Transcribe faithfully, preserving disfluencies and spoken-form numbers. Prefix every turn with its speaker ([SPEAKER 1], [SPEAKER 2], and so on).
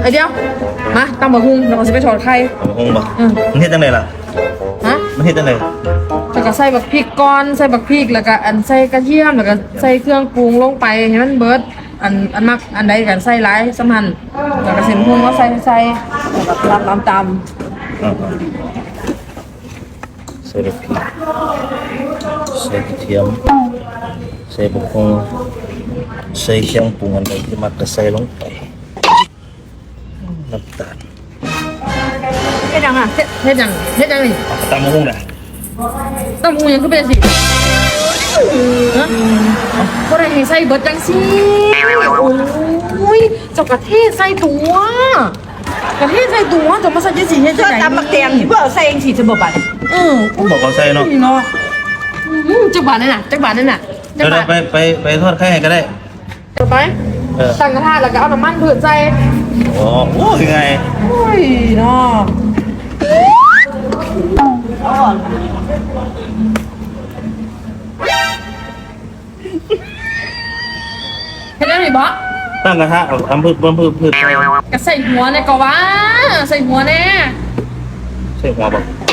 [SPEAKER 1] ไอเดียวมาตำบักหุ่งเราจะไปทอดไข่
[SPEAKER 2] เอาห้องบ่มันเฮ็ดจังไดล่ะ
[SPEAKER 1] ฮะ
[SPEAKER 2] มันเฮ็ดจังได
[SPEAKER 1] แล้วก็ใส่บักพริกก่อนใส่บักพริกแล้วก็อันใส่กระเทียมแล้วก็ใส่เครื่องปรุงลงไปให้มันเบิดอันอันมักอันใดกันใส่หลายสำคัญแล้วก็เส้นหุ่งก็ใส่ใส่แล้วก็ตำตำต
[SPEAKER 2] อ่าใส่พริกใส่กระเทียมใส่บักหุ่งใส่เครื่องปรุงอันใดที่มักก็ใส่ลงไปน้ำตาล
[SPEAKER 1] ำเฮ็ดยังอ่ะเฮ็ดเฮ็ดยังเฮ็ดยังนี่
[SPEAKER 2] เอาตำบักหุ่งน่ะ
[SPEAKER 1] ตำหุ่งยังคือเป็นสิฮะบ่ได้ให้ใส่เบิดจังสิโอ้ยเจ้ากระเทศใส่ตัวกระเทศใส่ตัวจะมาใส่จังสิเฮ็ดจั
[SPEAKER 3] ก็
[SPEAKER 1] งได๋
[SPEAKER 3] ตำมักแตงที่เพื่อใส่เองสิจะบ่บัด
[SPEAKER 1] เออ
[SPEAKER 2] ผมบอกเขาใส่เนาะ
[SPEAKER 1] เนาะอืมจักบาทนั่นน่ะจักบาทนั่นน่ะจั
[SPEAKER 2] เดี๋
[SPEAKER 1] ก
[SPEAKER 2] ยว
[SPEAKER 1] บาท
[SPEAKER 2] ไปไปไปทอดไข่ให้ก็ได้
[SPEAKER 1] ต่อไป
[SPEAKER 2] เออ
[SPEAKER 1] ตั้งกระทะแล้วก็เอาน้ำมันพืชใส่
[SPEAKER 2] อ๋อโอ้ยไง
[SPEAKER 1] โอ้ยเนาะเฮ็ดได้ไหมบ่
[SPEAKER 2] ตั้งกระทะเอาทำพืชเพิ่มพืชพืชใส่
[SPEAKER 1] ก็ใส่หัวเนี่ยก็ว่าใส่หัวแน่
[SPEAKER 2] ใส่หัวบ่